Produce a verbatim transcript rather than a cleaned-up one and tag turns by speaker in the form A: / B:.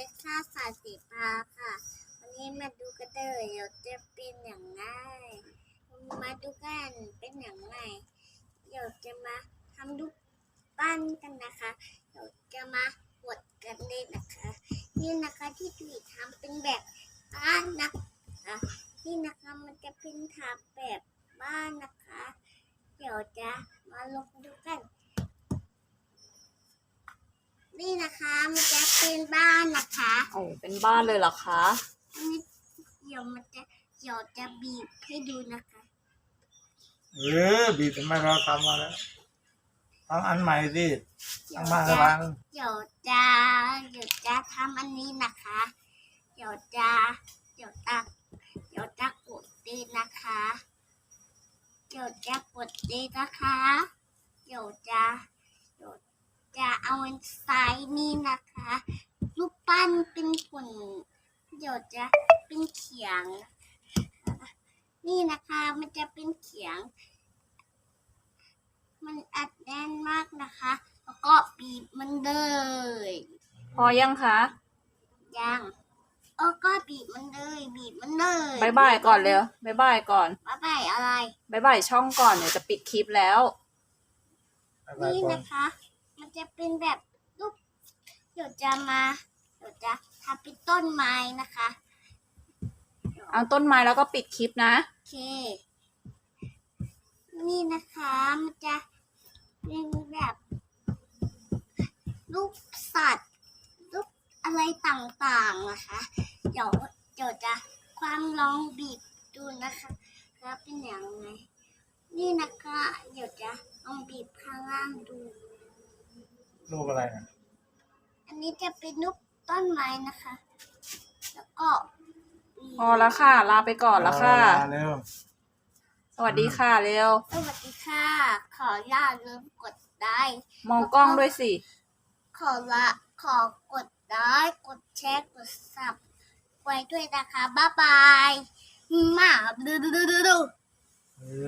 A: ล็กค่าสายสีฟ้าค่ะ วันนี้มาดูกันเลยเดี๋ยวจะเป็นอย่างไรมาดูกันเป็นอย่างไรเดี๋ยวจะมาทำรูปปั้นกันนะคะ เดี๋ยวจะมาบดกันเลยนะคะ นี่นะคะที่จุ๋ยทำเป็นแบบบ้านนะคะนี่นะคะมันจะเป็นทำแบบบ้านนะคะ เดี๋ยวจะมาลองดูกัน นี่นะคะมันจะเป็นบ้านนะคะ
B: โอ้เป็นบ้านเลยเหรอคะ
A: อันนี้เดี๋ยวมันจะเดี๋ยวจะบีบให้ดูนะคะ
C: เออบีบทำไมเราทำมาแล้วทำอันใหม่สิ
A: เดี๋ยว
C: ทำมา
A: จะ
C: วาง
A: เดี๋ยวจะเดี๋ยวจะทำอันนี้นะคะ เดี๋ยวจะเดี๋ยวตักเดี๋ยวจะกดดีนะคะ เดี๋ยวจะกดดีนะคะ เดี๋ยวจะเดี๋ยวจะเอาใส่นี่นะคะรูปปั้นเป็นผลเดี๋ยวจะเป็นเขียง นี่นะคะมันจะเป็นเขียง มันอัดแน่นมากนะคะ แล้วก็บีบมันเลย
B: พอยังคะ
A: ยังแล้วก็บีบมันเลยบีบมันเลย
B: บายบายก่อนเร็วบายบายก่อน
A: บ๊ายบายอะไร
B: บายบายช่องก่อนเดี๋ยวจะปิดคลิปแล้ว
C: อะไร
A: นี่
C: ก่อน
A: นะคะ มันจะเป็นแบบรูปเดี๋ยวจะมาเดี๋ยวจะทำเป็นต้นไม้นะคะ
B: เอาต้นไม้แล้วก็ปิดคลิปนะ
A: โอเค นี่นะคะมันจะเป็นแบบรูปสัตว์รูปอะไรต่างๆนะคะ เดี๋ยวเดี๋ยวจะความลองบีบดูนะคะแล้วเป็นอย่างไรนี่นะคะ เดี๋ยวจะลองบีบข้างล่างดู
C: รูปอะไรนะ
A: อันนี้จะเป็นรูปต้นไม้นะคะ แล้วก็บีบ
B: พอแล้วค่ะ ลาไปก่อนแล้วค่ะ
C: เอาเร็ว
B: สวัสดีค่ะเร็ว
A: สวัสดีค่ะ ขออย่าลืมกดได้
B: มองกล้องด้วยสิ
A: ขอละขอกดไลค์กดแชร์กดซับไว้ด้วยนะคะ บ๊ายบายมาดูดูดูดู
C: เออ